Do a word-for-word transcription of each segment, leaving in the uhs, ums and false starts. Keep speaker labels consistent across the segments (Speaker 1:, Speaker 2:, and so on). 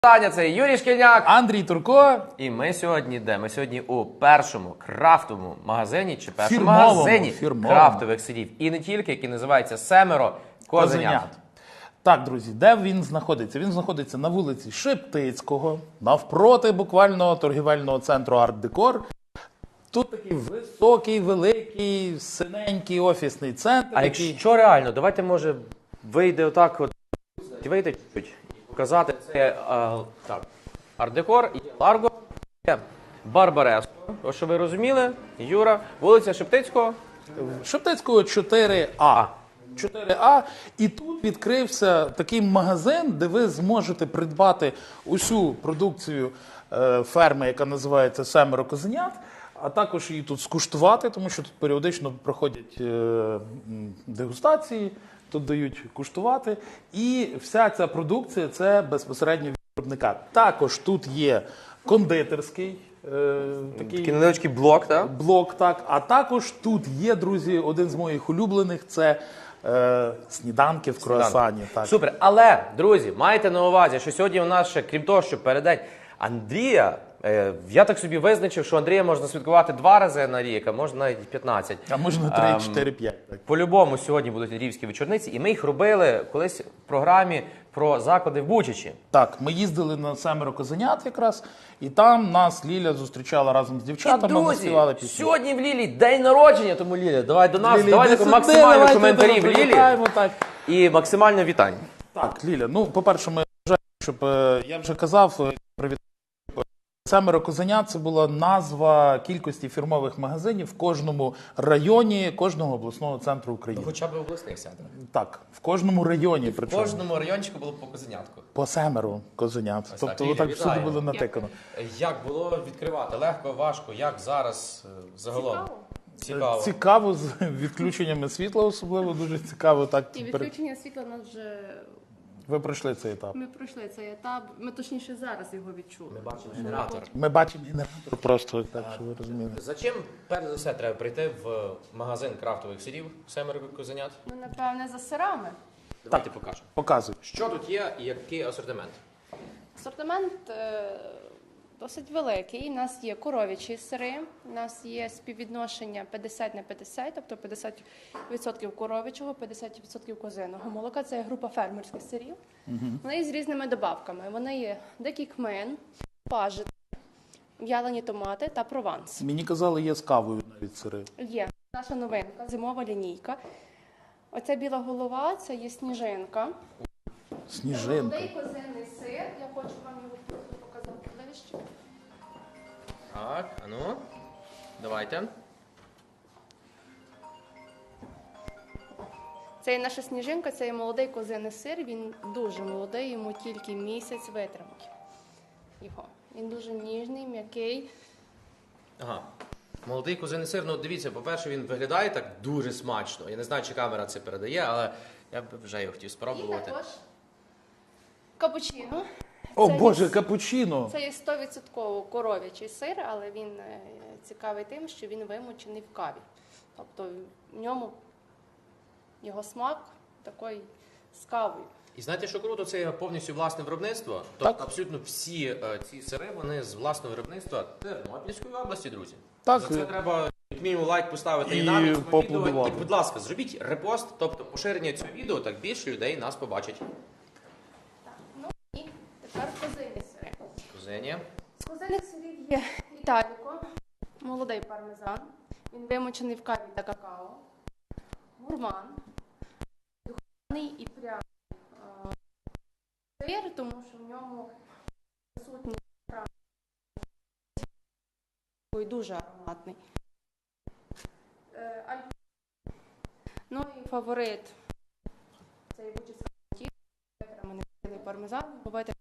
Speaker 1: Це Юрій Шкільняк,
Speaker 2: Андрій Турко.
Speaker 1: І ми сьогодні де? Ми сьогодні у першому крафтовому магазині чи першому
Speaker 2: Фірмовому,
Speaker 1: магазині
Speaker 2: фірмовому.
Speaker 1: крафтових сирів. І не тільки, який називається «Семеро козенят».
Speaker 2: Так, друзі, де він знаходиться? Він знаходиться на вулиці Шептицького, навпроти буквально торгівельного центру «Арт-Декор». Тут такий високий, великий, синенький офісний центр.
Speaker 1: А
Speaker 2: який...
Speaker 1: якщо реально, давайте, може, вийде отак, от, вийде чуть і показати. Це а, так, Арт-Декор, є Ларго, є Барбареско. Ось, що ви розуміли, Юра, вулиця Шептицького.
Speaker 2: Шептицького чотири А. чотири А. І тут відкрився такий магазин, де ви зможете придбати усю продукцію е, ферми, яка називається «Семеро козенят», а також її тут скуштувати, тому що тут періодично проходять е, м, дегустації, тут дають куштувати. І вся ця продукція – це безпосередньо від виробника. Також тут є кондитерський е, такий,
Speaker 1: Такий невеличкий блок, так?
Speaker 2: блок, так. А також тут є, друзі, один з моїх улюблених – це е, сніданки в круасані. Так.
Speaker 1: Супер. Але, друзі, майте на увазі, що сьогодні у нас ще, крім того, що передень Андрія, е, я так собі визначив, що Андрія можна святкувати два рази на рік, а можна навіть п'ятнадцять.
Speaker 2: А можна три, чотири, п'ять. Так.
Speaker 1: По-любому сьогодні будуть львівські вечорниці, і ми їх робили колись в програмі про заклади в Бучачі.
Speaker 2: Так, ми їздили на «Семеро козенят» якраз, і там нас Ліля зустрічала разом з дівчатами, ми співали пісні.
Speaker 1: Сьогодні в Лілі день народження, тому Ліля, давай до нас,
Speaker 2: Лілі,
Speaker 1: давай
Speaker 2: йди
Speaker 1: таку
Speaker 2: сюди,
Speaker 1: максимально
Speaker 2: давайте
Speaker 1: коментарів
Speaker 2: тебе
Speaker 1: Лілі
Speaker 2: привітаємо, так.
Speaker 1: і максимально вітань.
Speaker 2: Так, Ліля, ну, по-перше, ми вважаємо, щоб, е, я вже казав, е, привіт. «Семеро козенят» – це була назва кількості фірмових магазинів в кожному районі, кожного обласного центру України.
Speaker 1: Хоча б обласних центрах.
Speaker 2: Так, в кожному районі,
Speaker 1: В
Speaker 2: причому.
Speaker 1: кожному райончику було по козенятку.
Speaker 2: По «Семеро козенят».
Speaker 1: Ось
Speaker 2: Тобто,
Speaker 1: так, Ліля,
Speaker 2: отак всюди
Speaker 1: вітаємо.
Speaker 2: було натикано.
Speaker 1: Як було відкривати? Легко, важко? Як зараз е, загалом? Цікаво.
Speaker 2: Цікаво, з відключеннями світла особливо, дуже цікаво. Так,
Speaker 3: І відключення світла нас вже...
Speaker 2: ви пройшли цей етап.
Speaker 3: Ми пройшли цей етап, ми точніше зараз його відчули.
Speaker 1: Ми бачимо генератор.
Speaker 2: Ми бачимо генератор просто, так, що ви розуміли.
Speaker 1: За чим, перш за все, треба прийти в магазин крафтових сирів «Семеро козенят»?
Speaker 3: Ну, напевне, за сирами.
Speaker 1: Давайте покажемо.
Speaker 2: Показуй.
Speaker 1: Що тут є і який асортимент?
Speaker 3: Асортимент е, досить великий. У нас є коров'ячі сири, у нас є співвідношення п'ятдесят на п'ятдесят, тобто п'ятдесят відсотків коров'ячого, п'ятдесят відсотків козиного молока. Це є група фермерських сирів. Угу. Вони є з різними добавками. Вони є дикий кмин, пажит, в'ялені томати та прованс.
Speaker 2: Мені казали, є з кавою навіть сири.
Speaker 3: Є наша новинка, зимова лінійка. Оця біла голова, це є сніжинка.
Speaker 2: Сніжинка.
Speaker 3: Молодий козинний сир, я хочу вам його просто показати ближче.
Speaker 1: Так, а ну, давайте.
Speaker 3: Це є наша сніжинка, це є молодий козинний сир, він дуже молодий, йому тільки місяць витримки. Його. Він дуже ніжний, м'який.
Speaker 1: Ага. Молодий козиний сир, ну дивіться, по-перше, він виглядає так дуже смачно. Я не знаю, чи камера це передає, але я б вже його хотів
Speaker 3: І
Speaker 1: спробувати.
Speaker 3: також капучино.
Speaker 2: О,
Speaker 3: Це
Speaker 2: Боже,
Speaker 3: є-
Speaker 2: капучино!
Speaker 3: Це є сто відсотків коров'ячий сир, але він е, цікавий тим, що він вимочений в каві. Тобто в ньому його смак такий з кавою.
Speaker 1: І знаєте, що круто, це є повністю власне виробництво. Тобто
Speaker 2: Так.
Speaker 1: абсолютно всі е, ці сири, вони з власного виробництва Тернопільської області, друзі.
Speaker 2: Так.
Speaker 1: За це треба як мінімум лайк поставити і,
Speaker 2: І
Speaker 1: нам, і цьому відео.
Speaker 2: поаплодувати.
Speaker 1: І, будь ласка, зробіть репост, тобто поширення цього відео, так більше людей нас побачить.
Speaker 3: Так, ну і тепер козинні сири.
Speaker 1: Кузені.
Speaker 3: З козинних сирів є італіко, молодий пармезан, він вимочений в каві та какао, гурман, духмяний і пряний е, сир, тому що в ньому присутній пряний і дуже ароматний. Е, аль- Ну і фаворит це є бучицька ті, витриманий пармезан, бувайте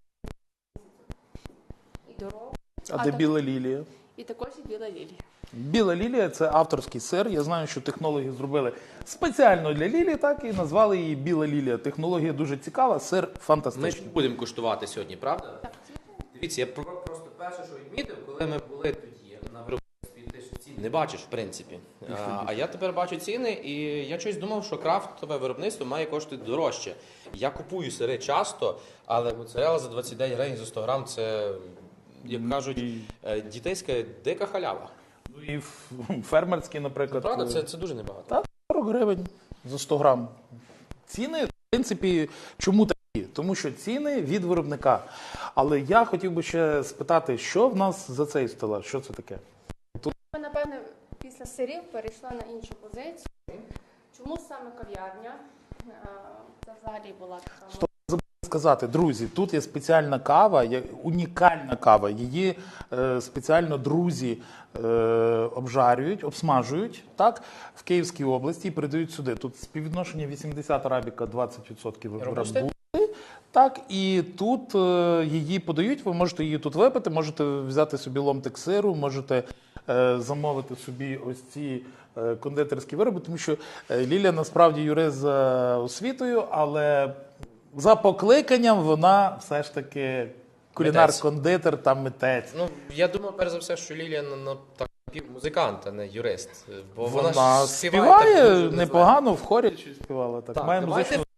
Speaker 3: і дорогу.
Speaker 2: А,
Speaker 3: А
Speaker 2: де
Speaker 3: так-
Speaker 2: біла лілія?
Speaker 3: І також і біла лілія.
Speaker 2: Біла лілія – це авторський сир. Я знаю, що технологи зробили спеціально для лілії, так, і назвали її біла лілія. Технологія дуже цікава, сир
Speaker 1: Ми ж
Speaker 2: фантастичний.
Speaker 1: будемо куштувати сьогодні, правда?
Speaker 3: Так,
Speaker 1: Дивіться, я про- просто перше, що відмітив, коли ми були тоді на виробництві, те, що ці Не бачиш, в принципі. А, а я тепер бачу ціни, і я щось думав, що крафтове виробництво має коштувати дорожче. Я купую сири часто, але моцарелла за двадцять дев'ять гривень за сто грам – це, як кажуть, е, дітейська дика халява.
Speaker 2: Ну і ф- фермерський, наприклад,
Speaker 1: Правда, це, це дуже небагато.
Speaker 2: Та, сорок гривень за сто грам. Ціни, в принципі, чому такі? Тому що ціни від виробника. Але я хотів би ще спитати, що в нас за цей стелаж? Що це таке?
Speaker 3: Ми, напевне, після сирів перейшла на іншу позицію. Чому саме кав'ярня? Е, Це взагалі була така.
Speaker 2: Стоп, забув сказати, друзі, тут є спеціальна кава, є унікальна кава. Її е, спеціально друзі е, обжарюють, обсмажують, так, в Київській області і передають сюди. Тут співвідношення вісімдесят арабіка, двадцять відсотків
Speaker 1: Робусти?
Speaker 2: робусти. Так, і тут е, її подають, ви можете її тут випити, можете взяти собі ломтик сиру, можете е, замовити собі ось ці е, кондитерські вироби, тому що е, Лілія насправді юрист за освітою, але за покликанням вона все ж таки кулінар-кондитер та митець.
Speaker 1: Ну, я думаю, перш за все, що Лілія ну, ну, так, музикант, а не юрист. Бо вона,
Speaker 2: Вона
Speaker 1: ж співає,
Speaker 2: співає
Speaker 1: так дуже
Speaker 2: непогано, в хорі чи співала. Так,
Speaker 1: Так,
Speaker 2: має
Speaker 1: давайте
Speaker 2: музичну...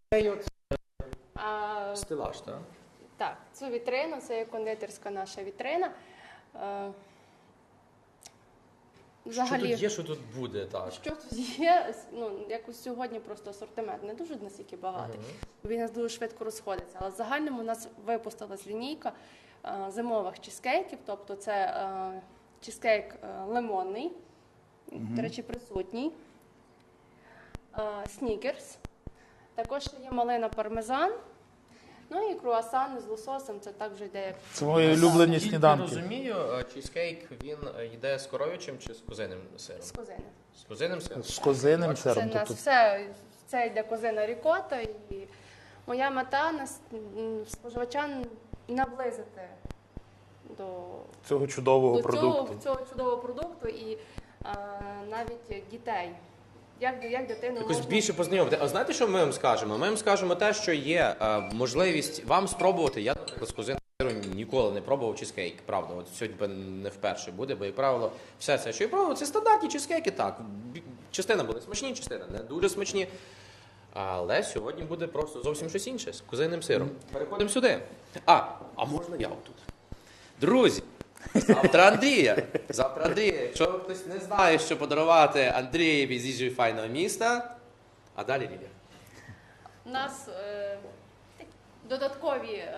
Speaker 3: А,
Speaker 1: стелаж, так?
Speaker 3: так, цю вітрину, це є кондитерська наша вітрина. Е,
Speaker 1: Що
Speaker 3: Взагалі,
Speaker 1: тут є, що тут буде, так?
Speaker 3: що тут є, ну, якось сьогодні просто асортимент не дуже настільки багатий. Він у нас дуже швидко розходиться. Але в загальному у нас випустилась лінійка е, зимових чизкейків, тобто це е, чизкейк е, лимонний, до речі, присутній, е, снікерс, також є малина пармезан, ну і круасан з лососем, це так вже йде як
Speaker 2: Це мої улюблені
Speaker 1: Наскільки
Speaker 2: сніданки.
Speaker 1: розумію, е, чізкейк, він е, йде з коров'ячим чи з козиним сиром?
Speaker 3: з козини.
Speaker 1: З козиним сиром?
Speaker 2: З козиним
Speaker 3: Це
Speaker 2: сиром.
Speaker 3: в нас
Speaker 2: Тобто
Speaker 3: все, це йде козина рікота, і моя мета нас м, споживача наблизити до,
Speaker 2: цього чудового
Speaker 3: до
Speaker 2: продукту.
Speaker 3: цього, цього чудового продукту і а, навіть дітей. Як, як дитину
Speaker 1: Якось
Speaker 3: можна...
Speaker 1: більше познайомити. А знаєте, що ми вам скажемо? Ми вам скажемо те, що є е, можливість вам спробувати. Я, наприклад, з козиним сиром ніколи не пробував чизкейк, правда. От сьогодні не вперше буде, бо, як правило, все це, що я пробував, це стандартні чизкейки, так. Бі- Частина були смачні, частина не дуже смачні. Але сьогодні буде просто зовсім щось інше з козиним сиром. Переходимо сюди. А, а можна я отут? Друзі, завтра Андрія. Завтра Андрія. Якщо хтось не знає, що подарувати Андрієві з їжею файного міста, а далі Лілія.
Speaker 3: У нас е, такі додаткові е,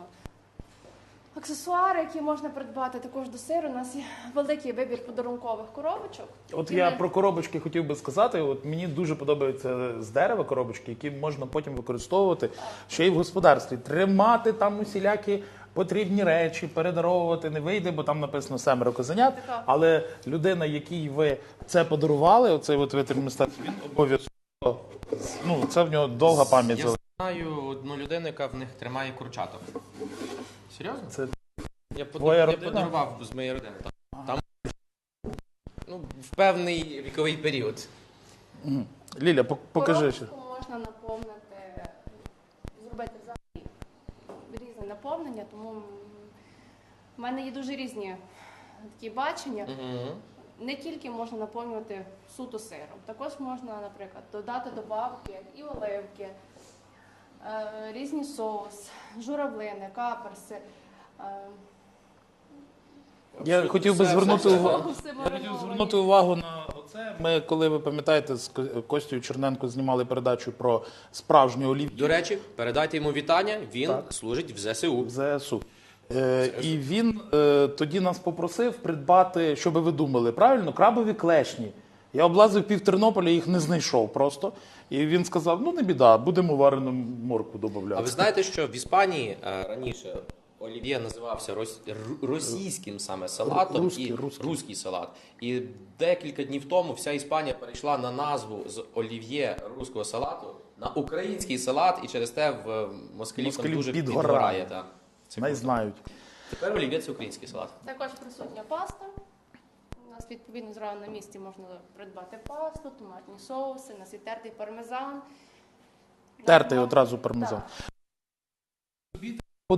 Speaker 3: аксесуари, які можна придбати також до сиру. У нас є великий вибір подарункових коробочок.
Speaker 2: От
Speaker 3: які
Speaker 2: я
Speaker 3: ми-
Speaker 2: про коробочки хотів би сказати. От мені дуже подобаються з дерева коробочки, які можна потім використовувати ще й в господарстві. Тримати там усілякі потрібні речі, передаровувати не вийде, бо там написано семеро козенят.
Speaker 3: Така.
Speaker 2: Але людина, якій ви це подарували, оцей от витвір мистецтва, він обов'язково, ну це в нього довга пам'ять.
Speaker 1: Я
Speaker 2: залишиться.
Speaker 1: знаю одну людину, яка в них тримає курчаток. Серйозно?
Speaker 2: Це
Speaker 1: Я, под...
Speaker 2: твоя
Speaker 1: я
Speaker 2: родина?
Speaker 1: подарував з моєї родини. Там, там ну, в певний віковий період.
Speaker 2: Ліля, пок- покажи ще.
Speaker 3: Коробочку можна наповнити, зробити взагалі різне наповнення, тому м, в мене є дуже різні такі бачення.
Speaker 1: Угу.
Speaker 3: Не тільки можна наповнювати суто сиром, також можна, наприклад, додати добавки і оливки, е, різні соус, журавлини, каперси. е,
Speaker 2: Я хотів би
Speaker 1: все,
Speaker 2: звернути
Speaker 1: все, все.
Speaker 2: увагу.
Speaker 3: соуси
Speaker 2: Я хотів
Speaker 3: мариновані.
Speaker 2: звернути увагу на оце. Ми, коли ви пам'ятаєте, з Ко- Костю Черненко знімали передачу про справжню олів'є
Speaker 1: До речі, передайте йому вітання, він
Speaker 2: Так.
Speaker 1: служить в ЗСУ.
Speaker 2: в ЗСУ. Е, і він е, тоді нас попросив придбати, що би ви думали, правильно, крабові клешні. Я облазив пів Тернополя, їх не знайшов просто. І він сказав: ну не біда, будемо варену морку додавати.
Speaker 1: А ви знаєте, що в Іспанії е, раніше олів'є називався рос... р- російським саме салатом
Speaker 2: Русський,
Speaker 1: і
Speaker 2: русський.
Speaker 1: руський салат. І декілька днів тому вся Іспанія перейшла на назву з олів'є руського салату на український салат, і через те в е, москалів там
Speaker 2: Москалів
Speaker 1: дуже
Speaker 2: підгорає.
Speaker 1: підгорає. Та. Це
Speaker 2: Не
Speaker 1: круто.
Speaker 2: знають.
Speaker 1: Тепер олів'є це український салат.
Speaker 3: Також присутня паста. У нас відповідно зразу на місці можна придбати пасту, томатні соуси, у нас є тертий пармезан.
Speaker 2: Тертий одразу пармезан.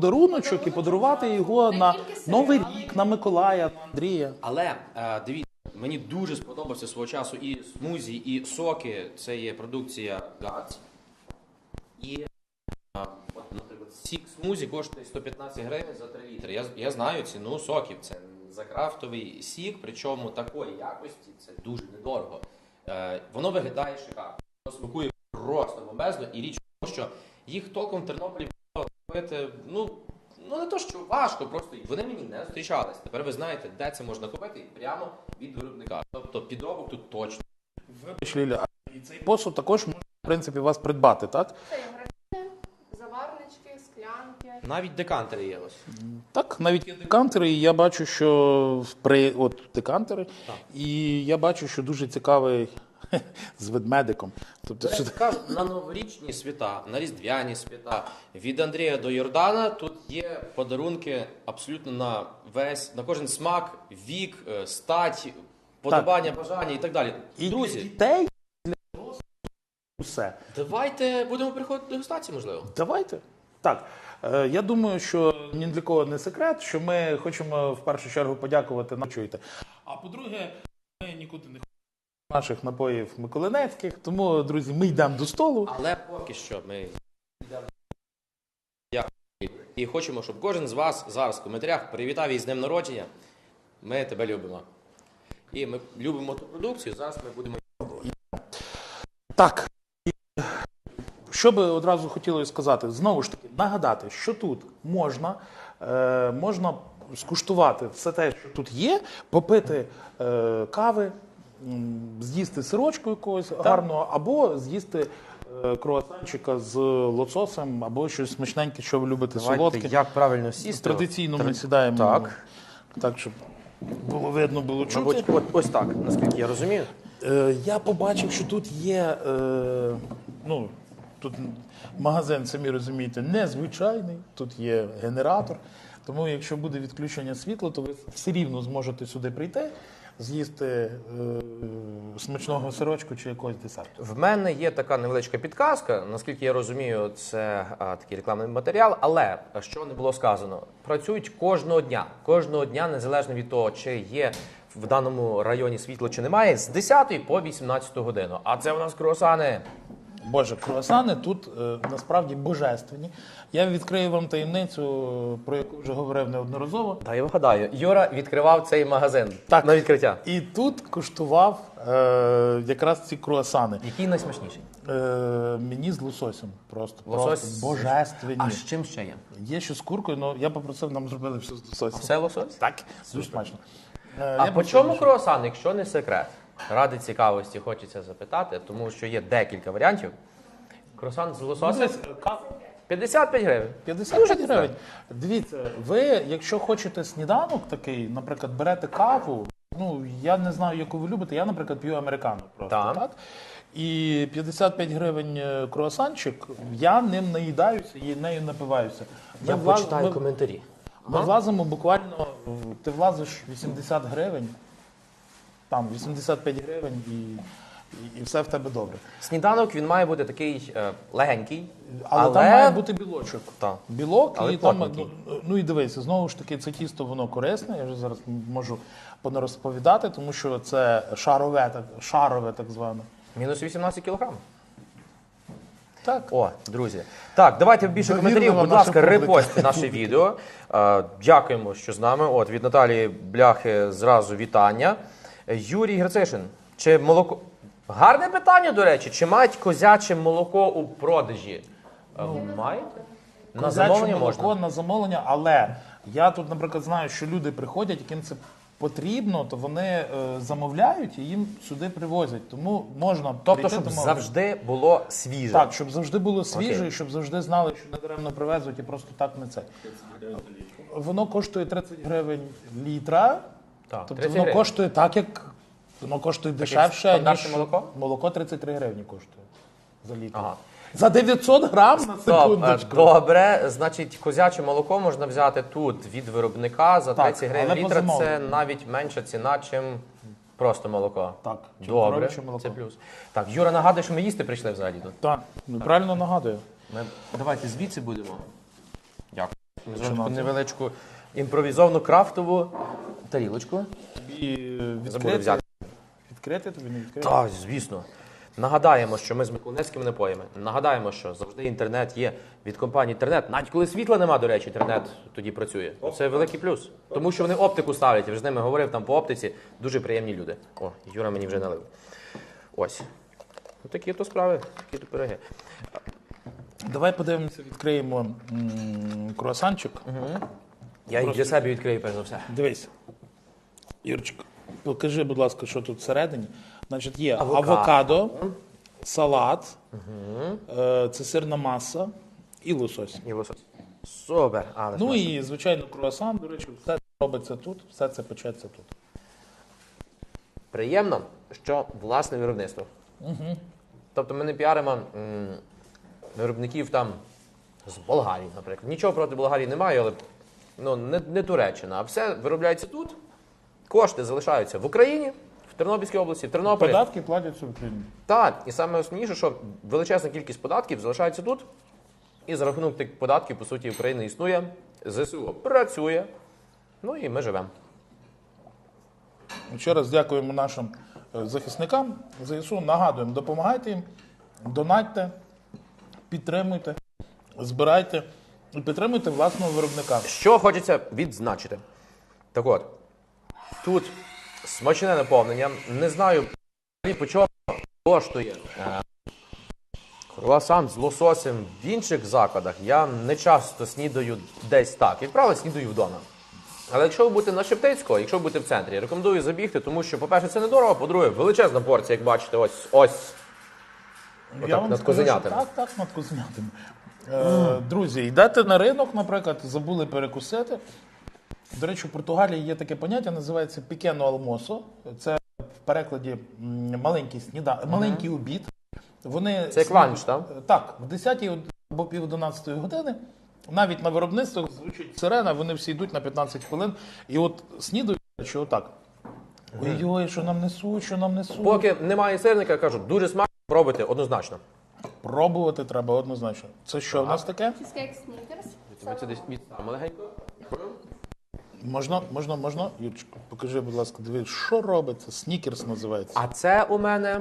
Speaker 2: Подаруночок і подарувати його
Speaker 3: Не
Speaker 2: на
Speaker 3: тільки сири,
Speaker 2: Новий
Speaker 3: але й-
Speaker 2: рік, на Миколая, на Андрія.
Speaker 1: Але е, дивіться, мені дуже сподобався свого часу і смузі, і соки. Це є продукція ГАЦ. І, а, от, наприклад, сік смузі коштує сто п'ятнадцять гривень за три літри. Я, я знаю ціну соків. Це за крафтовий сік, причому такої якості це дуже недорого. Е, воно виглядає шикарно. Воно смакує просто бомбезно. І річ в тому, що їх толком в Тернополі купити, ну, ну не то, що важко, просто вони мені не зустрічались. Тепер ви знаєте, де це можна купити прямо від виробника. Тобто підробок тут точно.
Speaker 2: Вибач, Ліля, а і цей посуд також можна, в принципі, вас придбати, так?
Speaker 3: Це є графіни, заварнички, склянки.
Speaker 1: Навіть декантери є ось.
Speaker 2: Так, навіть є декантери, і я бачу, що при от декантери,
Speaker 1: Так.
Speaker 2: і я бачу, що дуже цікавий з ведмедиком. Тобто, що...
Speaker 1: Кажуть, на новорічні свята, на різдвяні свята, від Андрія до Йордана тут є подарунки абсолютно на весь, на кожен смак, вік, е, стать, подобання, бажання і так далі.
Speaker 2: І для
Speaker 1: Друзі,
Speaker 2: дітей, і для дорослих, усе.
Speaker 1: давайте будемо приходити до дегустації, можливо.
Speaker 2: Давайте. Так, е, я думаю, що ні для кого не секрет, що ми хочемо в першу чергу подякувати нам, чуєте. А по-друге, ми нікуди не ходимо наших напоїв миколинецьких, тому, друзі, ми йдемо до столу.
Speaker 1: Але поки що ми йдемо. Дякую. І хочемо, щоб кожен з вас зараз в коментарях привітав її з днем народження. Ми тебе любимо. І ми любимо ту продукцію, зараз ми будемо.
Speaker 2: Так, і що би одразу хотілося сказати, знову ж таки, нагадати, що тут можна, е, можна скуштувати все те, що тут є, попити е, кави, м, з'їсти сирочку якогось гарного, або з'їсти е, круасанчика з лососем, або щось смачненьке, що ви любите, солодке.
Speaker 1: Як правильно сісти?
Speaker 2: Традиційно ми
Speaker 1: Тр-
Speaker 2: сідаємо
Speaker 1: Так.
Speaker 2: так, щоб було видно, було чути.
Speaker 1: Мабуть, от, ось так, наскільки я розумію.
Speaker 2: Е, я побачив, що тут є, е, ну, тут магазин, самі розумієте, незвичайний, тут є генератор, тому якщо буде відключення світла, то ви все рівно зможете сюди прийти, з'їсти е, смачного сирочку чи якогось десерту.
Speaker 1: В мене є така невеличка підказка, наскільки я розумію, це а, такий рекламний матеріал, але, що не було сказано, працюють кожного дня. Кожного дня, незалежно від того, чи є в даному районі світло чи немає, з десятої по вісімнадцяту годину. А це у нас круасани.
Speaker 2: Боже, круасани тут е, насправді божественні. Я відкрию вам таємницю, про яку вже говорив неодноразово.
Speaker 1: Та я вигадаю, Юра відкривав цей магазин
Speaker 2: Так.
Speaker 1: на відкриття.
Speaker 2: І тут куштував е, якраз ці круасани.
Speaker 1: Який найсмачніший?
Speaker 2: Е, мені з лососем просто,
Speaker 1: Лосось?
Speaker 2: просто божественні.
Speaker 1: А з чим ще є?
Speaker 2: Є ще з куркою, але я попросив, нам зробили все з лососем.
Speaker 1: Все лосось?
Speaker 2: Так, дуже смачно. Е,
Speaker 1: А
Speaker 2: я
Speaker 1: по
Speaker 2: попросив,
Speaker 1: чому
Speaker 2: що-
Speaker 1: круасан, якщо не секрет? Ради цікавості хочеться запитати, тому що є декілька варіантів. Круасан з лососем
Speaker 2: Дивись, ка-
Speaker 1: п'ятдесят п'ять гривень.
Speaker 2: п'ятдесят п'ять гривень. Дивіться, ви, якщо хочете сніданок такий, наприклад, берете каву, ну, я не знаю, яку ви любите, я, наприклад, п'ю американо просто,
Speaker 1: Так.
Speaker 2: так? І п'ятдесят п'ять гривень е, круасанчик, я ним наїдаюся і нею напиваюся. Ми
Speaker 1: Я
Speaker 2: влаз-
Speaker 1: почитаю
Speaker 2: ми-
Speaker 1: коментарі.
Speaker 2: Ми влазимо буквально, в- ти влазиш вісімдесят гривень, там вісімдесят п'ять гривень і, і, і все в тебе добре.
Speaker 1: Сніданок він має бути такий е, легенький,
Speaker 2: Але,
Speaker 1: але,
Speaker 2: там має бути білочок.
Speaker 1: Так.
Speaker 2: Білок,
Speaker 1: Але
Speaker 2: і там,
Speaker 1: плотненький.
Speaker 2: ну, ну і дивися, знову ж таки, це тісто, воно корисне, я вже зараз можу понарозповідати, тому що це шарове, так, шарове так зване.
Speaker 1: мінус вісімнадцять кілограм.
Speaker 2: Так.
Speaker 1: О, друзі. Так, давайте більше
Speaker 2: Довірна
Speaker 1: коментарів.
Speaker 2: вам
Speaker 1: Будь
Speaker 2: наша
Speaker 1: ласка,
Speaker 2: публіка.
Speaker 1: репостьте наше відео. Е, Дякуємо, що з нами. От від Наталії Бляхи зразу вітання. Юрій Грицишин. Чи молоко. Гарне питання, до речі. Чи мають козяче молоко у продажі? Е, Маєте? На
Speaker 2: Козяче
Speaker 1: замовлення
Speaker 2: молоко
Speaker 1: можна.
Speaker 2: на замовлення, але я тут, наприклад, знаю, що люди приходять, яким це потрібно, то вони е, замовляють і їм сюди привозять. Тому можна
Speaker 1: Тобто,
Speaker 2: прийти
Speaker 1: щоб
Speaker 2: домовитися.
Speaker 1: завжди було свіже.
Speaker 2: Так, щоб завжди було свіже,
Speaker 1: Окей.
Speaker 2: і щоб завжди знали, що не даремно привезуть і просто так не це. Воно коштує тридцять гривень літра.
Speaker 1: Так,
Speaker 2: Тобто
Speaker 1: тридцять
Speaker 2: воно
Speaker 1: гривень.
Speaker 2: коштує так, як воно коштує
Speaker 1: як
Speaker 2: дешевше,
Speaker 1: стандартне
Speaker 2: ніж
Speaker 1: молоко?
Speaker 2: молоко тридцять три гривні коштує за літр.
Speaker 1: Ага.
Speaker 2: За дев'ятсот грам на
Speaker 1: Стоп, е,
Speaker 2: секундочку.
Speaker 1: добре, значить, козяче молоко можна взяти тут від виробника за
Speaker 2: Так,
Speaker 1: тридцять гривень
Speaker 2: але по
Speaker 1: літра. Це
Speaker 2: замовленню.
Speaker 1: навіть менша ціна, чим просто молоко.
Speaker 2: Так, чим
Speaker 1: Добре,
Speaker 2: коров'яче молоко.
Speaker 1: це плюс. Так, Юра нагадує, що ми їсти прийшли взагалі тут.
Speaker 2: Так, ну, правильно нагадую.
Speaker 1: Ми давайте звідси будемо. Дякую. Ми зробимо
Speaker 2: Починати.
Speaker 1: невеличку імпровізовану крафтову тарілочку.
Speaker 2: І е,
Speaker 1: Забули
Speaker 2: відкрити
Speaker 1: взяти.
Speaker 2: Відкрити тобі, не відкрити?
Speaker 1: Так, звісно. Нагадаємо, що ми з миколаївськими напоями. Нагадаємо, що завжди інтернет є від компанії інтернет. Навіть коли світла нема, до речі, інтернет тоді працює. Це великий плюс. Тому що вони оптику ставлять. Я вже з ними говорив там по оптиці. Дуже приємні люди. О, Юра мені вже налив. Ось. Ну, такі то справи, такі то пироги.
Speaker 2: Давай подивимося, відкриємо м, круасанчик.
Speaker 1: Я їх для себе відкрию, перш за все.
Speaker 2: Дивись. Юрчик, покажи, будь ласка, що тут всередині. Значить, є
Speaker 1: Авокадо.
Speaker 2: авокадо, салат, е, це сирна маса і лосось.
Speaker 1: І лосось. Супер. Але
Speaker 2: Ну
Speaker 1: смачно.
Speaker 2: і, звичайно, круасан, до речі, все це робиться тут, все це печеться тут.
Speaker 1: Приємно, що власне виробництво. Угу. Тобто ми не піаримо м, виробників там з Болгарії, наприклад. Нічого проти Болгарії немає, але ну, не, не Туреччина. А все виробляється тут. Кошти залишаються в Україні, в Тернопільській області, в Тернополі.
Speaker 2: Податки платяться в Україні.
Speaker 1: Так, і саме основніше, що величезна кількість податків залишається тут. І за рахунок тих податків, по суті, Україна існує, ЗСУ працює, ну і ми живемо.
Speaker 2: Ще раз дякуємо нашим е, захисникам ЗСУ. Нагадуємо, допомагайте їм, донатьте, підтримуйте, збирайте і підтримуйте власного виробника.
Speaker 1: Що хочеться відзначити. Так от, тут смачне наповнення. Не знаю, по чому коштує е, круасан з лососем в інших закладах. Я не часто снідаю десь так. Як правило, снідаю вдома. Але якщо ви будете на Шептицького, якщо ви будете в центрі, рекомендую забігти, тому що, по-перше, це недорого, по-друге, величезна порція, як бачите, ось, ось.
Speaker 2: Я
Speaker 1: Отак,
Speaker 2: вам
Speaker 1: над
Speaker 2: скажу, що
Speaker 1: козенятами.
Speaker 2: так, так, над козенятами. Е, друзі, йдете на ринок, наприклад, забули перекусити. До речі, в Португалії є таке поняття, називається пікено алмосо. Це в перекладі м, маленький сніда, маленький обід. Вони
Speaker 1: Це як
Speaker 2: снід-
Speaker 1: ланч, так?
Speaker 2: Так, в десятій або пів одинадцятої години. Навіть на виробництвах звучить сирена, вони всі йдуть на п'ятнадцять хвилин. І от снідають, що отак. Ой-ой, що нам несуть, що нам несуть.
Speaker 1: Поки немає сирника, кажу, дуже смачно, пробуйте однозначно.
Speaker 2: Пробувати треба однозначно. Це що в нас таке?
Speaker 3: Чизкейк Снікерс.
Speaker 1: Ми це десь відставимо легенько.
Speaker 2: Можна, можна, можна? Юрчику, покажи, будь ласка, дивись, що робиться? Снікерс називається.
Speaker 1: А це у мене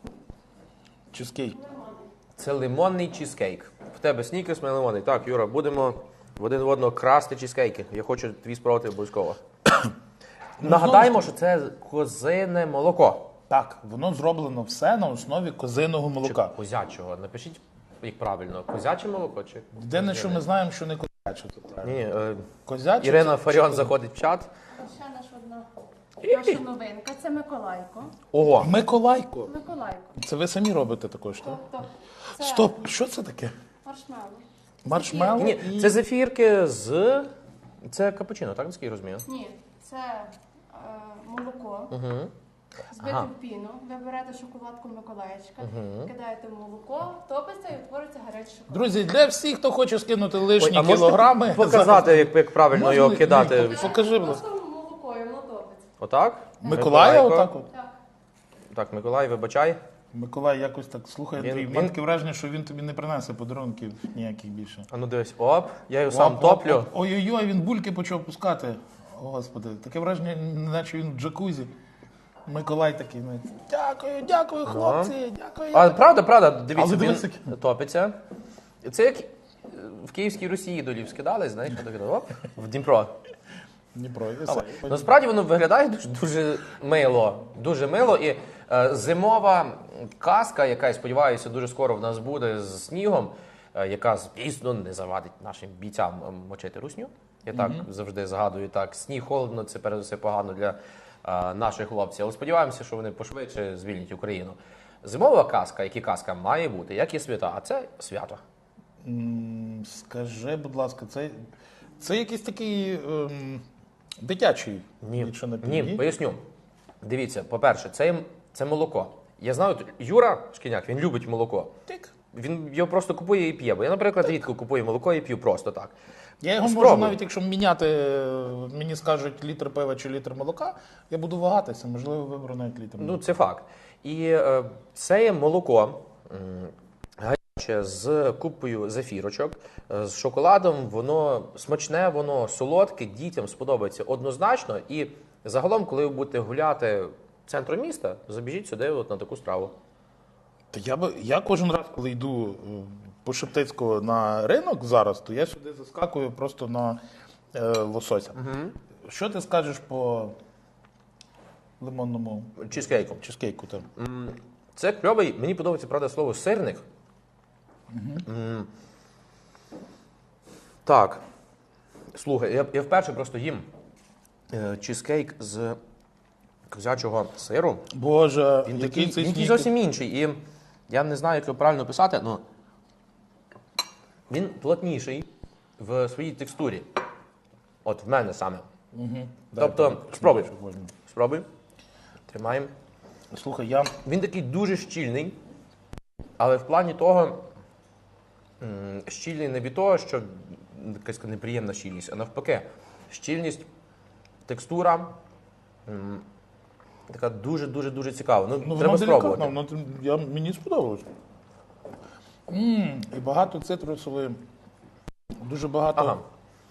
Speaker 2: Чизкейк.
Speaker 1: це лимонний чізкейк. В тебе снікерс, в мене лимонний. Так, Юра, будемо в один в одного красти чізкейки. Я хочу твій спробувати обов'язково. Нагадаємо, що це козине молоко.
Speaker 2: Так, воно зроблено все на основі козиного
Speaker 1: Чи
Speaker 2: молока.
Speaker 1: козячого. Напишіть, як правильно, козяче молоко чи
Speaker 2: Єдине, що ми знаємо, що не козяче. Тут правильно.
Speaker 1: ні, е,
Speaker 2: Козяче
Speaker 1: Ірина
Speaker 2: це-
Speaker 1: Фаріон заходить в чат.
Speaker 3: Ще наша одна наша новинка. Це Миколайко.
Speaker 1: Ого,
Speaker 2: Миколайко.
Speaker 3: Миколайко.
Speaker 2: Це ви самі робите також, так?
Speaker 3: Тобто це
Speaker 2: Стоп, що це таке?
Speaker 3: маршмеллоу.
Speaker 2: Маршмеллоу?
Speaker 1: ні,
Speaker 2: і-
Speaker 1: це зефірки з це капучино, так наскільки я розумію?
Speaker 3: Ні, це е, молоко. Збите
Speaker 1: Ага.
Speaker 3: в піну, ви берете шоколадку Миколаївчика, кидаєте в молоко, топиться і утворюється гарячий шоколад.
Speaker 2: Друзі, для всіх, хто хоче скинути лишні
Speaker 1: а можете
Speaker 2: кілограми.
Speaker 1: показати, як, як правильно
Speaker 2: Можна
Speaker 1: його
Speaker 2: ли-
Speaker 1: кидати?
Speaker 2: Ні, покажи, будь ласка.
Speaker 3: Просто молоко і воно топиться.
Speaker 1: Отак?
Speaker 2: Миколая
Speaker 1: Миколайко.
Speaker 2: отак от?
Speaker 3: Так.
Speaker 1: Так, Миколай, вибачай.
Speaker 2: Миколай якось так слухай,
Speaker 1: Він-
Speaker 2: Андрій.
Speaker 1: він-
Speaker 2: В мене таке враження, що він тобі не принесе подарунків ніяких більше.
Speaker 1: А ну дивись, оп, я його сам
Speaker 2: Оп, оп,
Speaker 1: топлю.
Speaker 2: оп. Ой-ой-ой, він бульки почав пускати. О, Господи, таке враження, наче він в джакузі. Миколай такий, ну, дякую, дякую, хлопці, дякую.
Speaker 1: А правда, правда, дивіться,
Speaker 2: Але
Speaker 1: він
Speaker 2: дивись, який.
Speaker 1: топиться. Це як е, в Київській Русі долів скидали, знаєш, так, оп, в Дніпро.
Speaker 2: Дніпро, і все.
Speaker 1: Насправді воно виглядає дуже, дуже мило. Дуже мило. І е, зимова казка, яка, я сподіваюся, дуже скоро в нас буде з снігом, е, яка, звісно, не завадить нашим бійцям е, мочити русню. Я так завжди згадую, так, сніг холодно, це перед усе погано для е, наших хлопців. Але сподіваємося, що вони пошвидше звільнять Україну. Зимова казка, як і казка, має бути, як і свята, а це свято.
Speaker 2: М, Скажи, будь ласка, це, це якийсь такий ем, дитячий,
Speaker 1: Ні,
Speaker 2: якщо не
Speaker 1: ні,
Speaker 2: підій?
Speaker 1: поясню. Дивіться, по-перше, це, це молоко. Я знаю, от Юра Шкіняк, він любить молоко.
Speaker 2: Тик.
Speaker 1: Він його просто купує і п'є. Бо я, наприклад, рідко купую молоко і п'ю просто так.
Speaker 2: Я його можу
Speaker 1: Спробуй.
Speaker 2: навіть, якщо міняти, е, мені скажуть літр пива чи літр молока, я буду вагатися, можливо, виберу навіть літр молока.
Speaker 1: Ну, це факт. І е, це є молоко м, гаряче з купою зефірочок, е, з шоколадом. Воно смачне, воно солодке, дітям сподобається однозначно. І загалом, коли ви будете гуляти центру міста, забіжіть сюди от на таку страву.
Speaker 2: Та я би я кожен раз, коли йду е, по Шептицького на ринок зараз, то я сюди заскакую просто на е, лосося. Угу. Що ти скажеш по лимонному
Speaker 1: Чізкейку.
Speaker 2: чизкейку? Там?
Speaker 1: Це кльовий, мені подобається, правда, слово сирник. М. Так. Слухай, я, я вперше просто їм е, чізкейк з козячого сиру.
Speaker 2: Боже,
Speaker 1: Він
Speaker 2: який
Speaker 1: такий,
Speaker 2: цей
Speaker 1: він такий
Speaker 2: снікерс.
Speaker 1: зовсім інший. І я не знаю, як його правильно писати, але він плотніший в своїй текстурі. От в мене саме.
Speaker 2: Угу.
Speaker 1: Тобто, спробуй. Спробуй. Тримаємо.
Speaker 2: Слухай, я
Speaker 1: Він такий дуже щільний, але в плані того, м, щільний не від того, що якась неприємна щільність, а навпаки, щільність, текстура м, така дуже-дуже-дуже цікава. Ну,
Speaker 2: ну,
Speaker 1: треба
Speaker 2: воно
Speaker 1: спробувати.
Speaker 2: делікатно, воно, я, мені сподобалось. М, і багато цитрусової, дуже багато.
Speaker 1: Ага.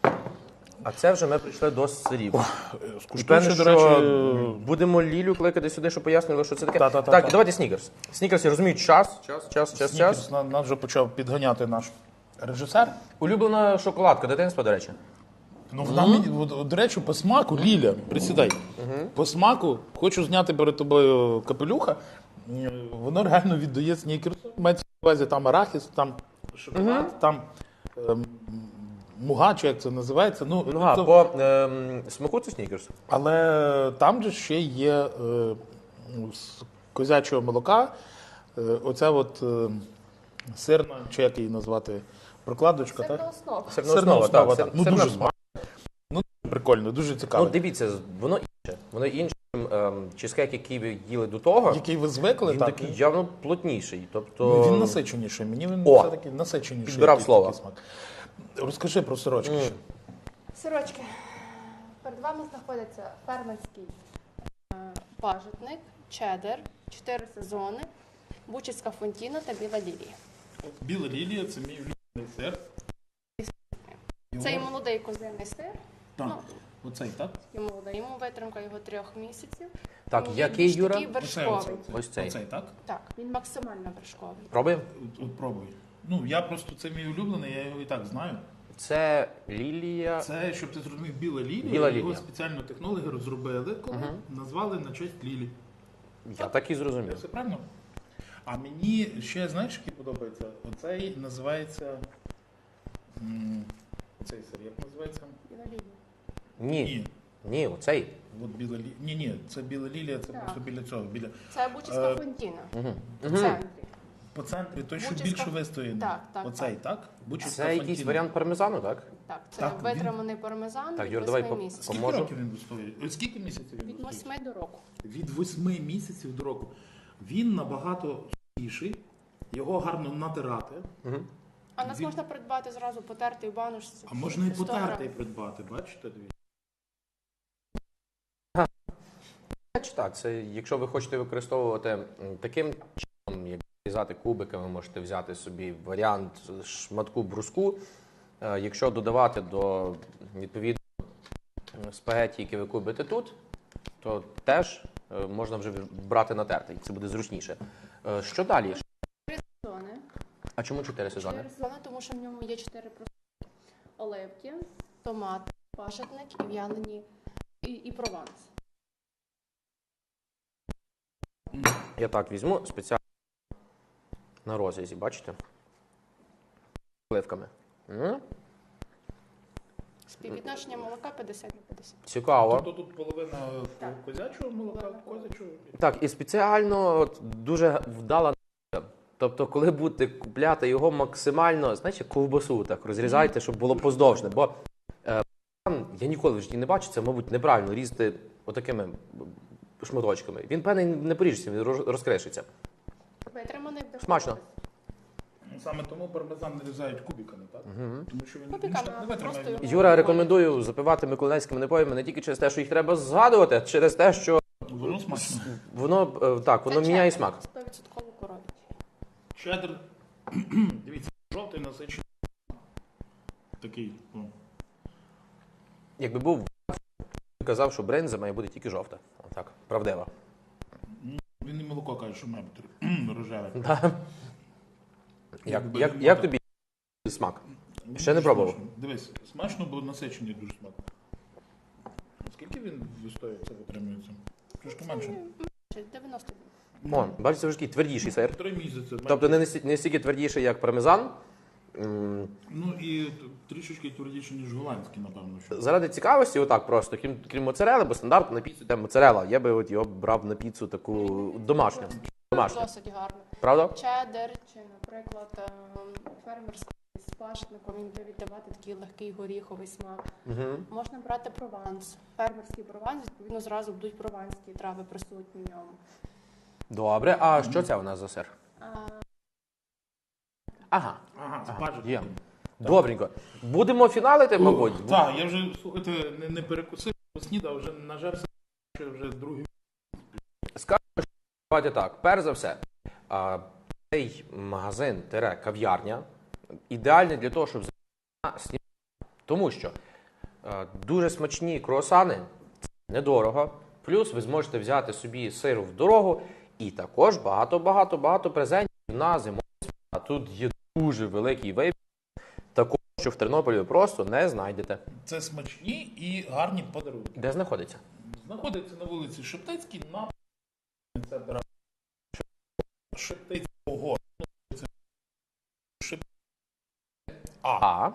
Speaker 1: А це вже ми прийшли до сирів. І
Speaker 2: Скуштуй
Speaker 1: певне,
Speaker 2: ще,
Speaker 1: що
Speaker 2: до речі,
Speaker 1: будемо Лілю кликати сюди, щоб пояснили, що це таке.
Speaker 2: Та-та-та-та.
Speaker 1: Так, і давайте снікерс. Снікерс, я розумію, час, час, час, час,
Speaker 2: снікерс
Speaker 1: час.
Speaker 2: на- нас вже почав підганяти наш режисер.
Speaker 1: Улюблена шоколадка дитинства, до речі.
Speaker 2: Ну, вона мені, от, от, до речі, по смаку, Ліля, присідай. По смаку, хочу зняти перед тобою капелюха, е, воно реально віддає снікерсу. Мається на увазі там арахіс, там шоколад, там ем, муга, чи як це називається. Ну,
Speaker 1: Ну, а,
Speaker 2: це-
Speaker 1: по ем, смаку це снікерс.
Speaker 2: Але там же ще є е, з козячого молока, е, оця от е, сирна, чи як її назвати, прокладочка,
Speaker 3: Це
Speaker 2: так?
Speaker 3: на основу.
Speaker 1: Сирна
Speaker 2: Сирна
Speaker 1: основа,
Speaker 2: основа,
Speaker 1: так.
Speaker 2: так.
Speaker 1: сир-
Speaker 2: Ну,
Speaker 1: сирна
Speaker 2: дуже
Speaker 1: основа.
Speaker 2: Ну, прикольно, дуже цікаво.
Speaker 1: Ну, дивіться, воно інше. Воно інше, ніж ем, чизкейк, який ви їли до того.
Speaker 2: Який ви звикли,
Speaker 1: Він
Speaker 2: так?
Speaker 1: такий явно плотніший. Тобто...
Speaker 2: Ну, він насиченіший. Мені він
Speaker 1: О!
Speaker 2: все-таки насиченіший.
Speaker 1: Підбирав
Speaker 2: якийсь
Speaker 1: слово.
Speaker 2: такий смак. Розкажи про сирочки ще.
Speaker 3: Сирочки. Перед вами знаходиться фермерський е, пажитник, чеддер, чотири сезони, бучицька фонтіна та біла лілія.
Speaker 2: Біла лілія це мій улюблений сир.
Speaker 3: Це і молодий козиний сир.
Speaker 2: Так,
Speaker 3: Ну,
Speaker 2: оцей, так?
Speaker 3: і молодий, йому витримка його трьох місяців.
Speaker 1: Так,
Speaker 3: Тому він
Speaker 1: який,
Speaker 3: більш
Speaker 1: Юра?
Speaker 3: такий вершковий.
Speaker 1: Ось цей.
Speaker 2: Оцей, так?
Speaker 3: Так, він максимально вершковий.
Speaker 1: Пробуємо?
Speaker 2: От, от пробуй. Ну, я просто, це мій улюблений, я його і так знаю.
Speaker 1: Це лілія.
Speaker 2: Це, щоб ти зрозумів, біла лілія.
Speaker 1: Біла
Speaker 2: Його
Speaker 1: лілія.
Speaker 2: спеціально технологи розробили, коли назвали на честь лілі.
Speaker 1: Я так і
Speaker 2: Я
Speaker 1: зрозумів.
Speaker 2: все правильно? А мені ще, знаєш, який подобається? Оцей називається... м, Оцей сир, як називається?
Speaker 3: Біла лілія.
Speaker 1: Ні.
Speaker 2: Ні.
Speaker 1: Ні, оцей.
Speaker 2: От біла лілія. Ні, ні, це біла лілія, це
Speaker 3: Так.
Speaker 2: просто біля цього. Біля...
Speaker 3: Це бучицька
Speaker 2: Е,
Speaker 3: фонтіна.
Speaker 1: Угу.
Speaker 3: В центрі.
Speaker 2: По центрі, той, що
Speaker 3: Бучицька-
Speaker 2: більше вистояний.
Speaker 3: Так, так,
Speaker 2: Оцей, так? Бучицька
Speaker 1: Це якийсь
Speaker 2: фонтіна.
Speaker 1: варіант пармезану, так?
Speaker 3: Так, це
Speaker 2: Так, він-
Speaker 3: витриманий пармезан
Speaker 1: Так,
Speaker 3: від
Speaker 1: Юр, давай
Speaker 3: восьми
Speaker 1: по-
Speaker 3: місяців.
Speaker 2: Скільки
Speaker 1: Поможу?
Speaker 2: років він вистоює? Ой, Скільки місяців він
Speaker 3: Від
Speaker 2: вистоює?
Speaker 3: восьми до року.
Speaker 2: Від восьми місяців до року. Він набагато сухіший, його гарно натирати,
Speaker 3: А нас
Speaker 2: Він-
Speaker 3: можна придбати зразу потертий в баночці.
Speaker 2: а можна і
Speaker 3: сто
Speaker 2: потертий
Speaker 3: грамів.
Speaker 2: придбати, бачите? Дивіться.
Speaker 1: Так, це якщо ви хочете використовувати м, таким чином, як різати кубиками, можете взяти собі варіант шматку бруску. Е, Якщо додавати до відповідно спагетті, які ви кубите тут, то теж е, можна вже брати натертий. Це буде зручніше. Е, Що далі?
Speaker 3: Сезони.
Speaker 1: А чому чотири сезони?
Speaker 3: Чотири сезони, тому що в ньому є чотири просто оливки, томат, пашетник і в'ялені і, і прованс.
Speaker 1: Я так візьму спеціально на розрізі, бачите? Оливками. М?
Speaker 3: Співвідношення молока п'ятдесят на п'ятдесят.
Speaker 1: Цікаво.
Speaker 2: Тобто тут половина
Speaker 3: Так.
Speaker 2: козячого молока,
Speaker 3: Половина.
Speaker 2: козячого.
Speaker 1: Так, і спеціально от, дуже вдала. Тобто, коли будете купляти його максимально, знаєте, ковбасу так розрізайте, щоб було поздовжне. Бо е, я ніколи в житті не бачу, це, мабуть, неправильно різати отакими шматочками. Він, певний, не поріжеться, він роз- розкришиться.
Speaker 3: Витриманий в
Speaker 1: Смачно.
Speaker 2: Саме тому пармезан нарізають кубиками, так? Тому що він, він
Speaker 3: Кубиками,
Speaker 2: ж так не
Speaker 3: а
Speaker 2: витримає.
Speaker 3: просто його-
Speaker 1: Юра, рекомендую запивати миколаївськими напоями не тільки через те, що їх треба згадувати, а через те, що
Speaker 2: Воно смачно.
Speaker 1: воно, е, так, воно міняє смак.
Speaker 3: сто відсотків коров'ячий.
Speaker 2: Чеддер, дивіться, жовтий насичений. Такий, о.
Speaker 1: Якби був казав, що бринза має бути тільки жовта. Отак, правдива.
Speaker 2: кажеш, що має бути рожеве.
Speaker 1: Да. Як, як, як тобі смак? Ще не пробував.
Speaker 2: Смачно. Дивись, смачно, бо насичений дуже смак. Скільки він вистоює, це витримується? Трошки менше.
Speaker 3: дев'яносто.
Speaker 1: О, бачите, це вже такий твердіший сир.
Speaker 2: Три місяці.
Speaker 1: Тобто не, настільки- не стільки твердіший, як пармезан. М,
Speaker 2: Ну і т- трішечки твердіше, ніж голландський, напевно. Що.
Speaker 1: Заради цікавості, отак просто, крім, крім моцарели, бо стандартно на піцу йде моцарела. Я би от його брав на піцу таку домашню. Домашню.
Speaker 3: Досить гарно.
Speaker 1: Правда?
Speaker 3: Чеддер чи, наприклад, ем, фермерський з пашником, він буде віддавати такий легкий горіховий смак.
Speaker 1: Угу.
Speaker 3: Можна брати прованс. Фермерський прованс, відповідно, зразу будуть прованські трави присутні в ньому.
Speaker 1: Добре, а що це у нас за сир?
Speaker 3: А,
Speaker 1: Ага,
Speaker 2: Ага,
Speaker 1: ага,
Speaker 2: спажити.
Speaker 1: є. Добренько. Будемо фіналити, мабуть.
Speaker 2: Так, я вже, слухайте, не, не перекусив, снідав, вже нажерся, що вже другий.
Speaker 1: Скажу, що давайте так. Перш за все, а, цей магазин тире кав'ярня ідеальний для того, щоб зайти сніданок. Тому що а, дуже смачні круасани, це недорого. Плюс ви зможете взяти собі сиру в дорогу і також багато-багато-багато презентів на зимові свята. Тут є дуже великий вибір, такого, що в Тернополі ви просто не знайдете.
Speaker 2: Це смачні і гарні подарунки.
Speaker 1: Де знаходиться?
Speaker 2: Знаходиться на вулиці Шептицькій, на центр Шептицького. Це Шеп... А.
Speaker 1: А.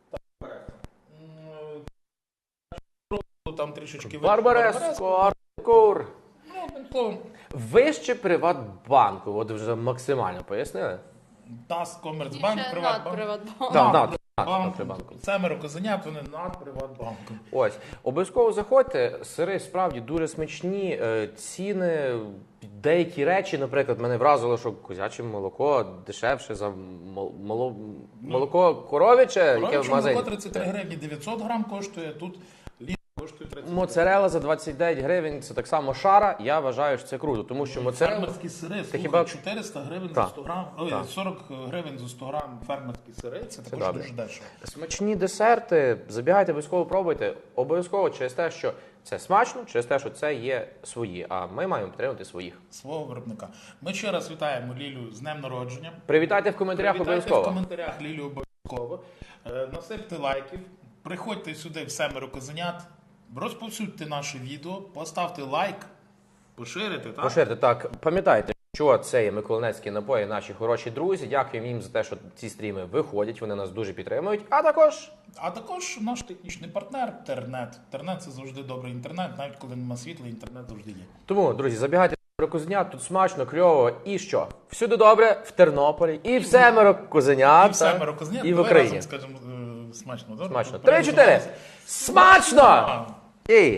Speaker 2: М, Там трішечки
Speaker 1: Барбареско, Артур.
Speaker 2: Ну, одним словом,
Speaker 1: Вище Приватбанку, от вже максимально пояснили?
Speaker 2: ТАСС, Комерцбанк,
Speaker 3: ще над
Speaker 2: Приватбанк.
Speaker 3: Приватбанк.
Speaker 1: Так, над,
Speaker 2: Банк,
Speaker 1: над Приватбанком.
Speaker 2: Семеро козенят, вони над Приватбанком.
Speaker 1: Ось, обов'язково заходьте, сири справді дуже смачні, е, ціни, деякі речі, наприклад, мене вразило, що козяче молоко дешевше за мол- моло- молоко коров'яче, яке в
Speaker 2: Коров'яче
Speaker 1: магазині.
Speaker 2: молоко тридцять три гривні дев'ятсот грам коштує, тут літр коштує тридцять.
Speaker 1: Моцарела за двадцять дев'ять гривень, це так само шара, я вважаю, що це круто, тому що моцарела...
Speaker 2: Фермерські сири, слухай,
Speaker 1: хіба-
Speaker 2: чотириста гривень
Speaker 1: Так.
Speaker 2: за сто грам, ой,
Speaker 1: Так.
Speaker 2: сорок гривень за сто грам фермерські сири, це також
Speaker 1: добре.
Speaker 2: дуже дешево.
Speaker 1: Смачні десерти, забігайте, обов'язково пробуйте. Обов'язково через те, що це смачно, через те, що це є свої, а ми маємо підтримувати своїх.
Speaker 2: Свого виробника. Ми ще раз вітаємо Лілю з днем народження.
Speaker 1: Привітайте в коментарях
Speaker 2: Привітайте в
Speaker 1: обов'язково.
Speaker 2: коментарях Лілю обов'язково. Е, Насипте лайків, приходьте сюди в семеро козенят, розповсюдьте наше відео, поставте лайк, поширите, так?
Speaker 1: Поширте, так, пам'ятайте, що це є Миколинецькі напої, наші хороші друзі. Дякуємо їм за те, що ці стріми виходять, вони нас дуже підтримують. А також
Speaker 2: А також наш технічний партнер Тернет. Тернет це завжди добрий інтернет, навіть коли нема світла, інтернет завжди є.
Speaker 1: тому, друзі, забігайте в Козенят, тут смачно, кльово. І що? Всюди добре, в Тернополі, і в семеро Козенят,
Speaker 2: І в семеро козенят,
Speaker 1: і в
Speaker 2: давай
Speaker 1: Україні.
Speaker 2: разом скажемо е, смачно. добре?
Speaker 1: Смачно.
Speaker 2: Перед-
Speaker 1: Три-чотири. Смачно! І...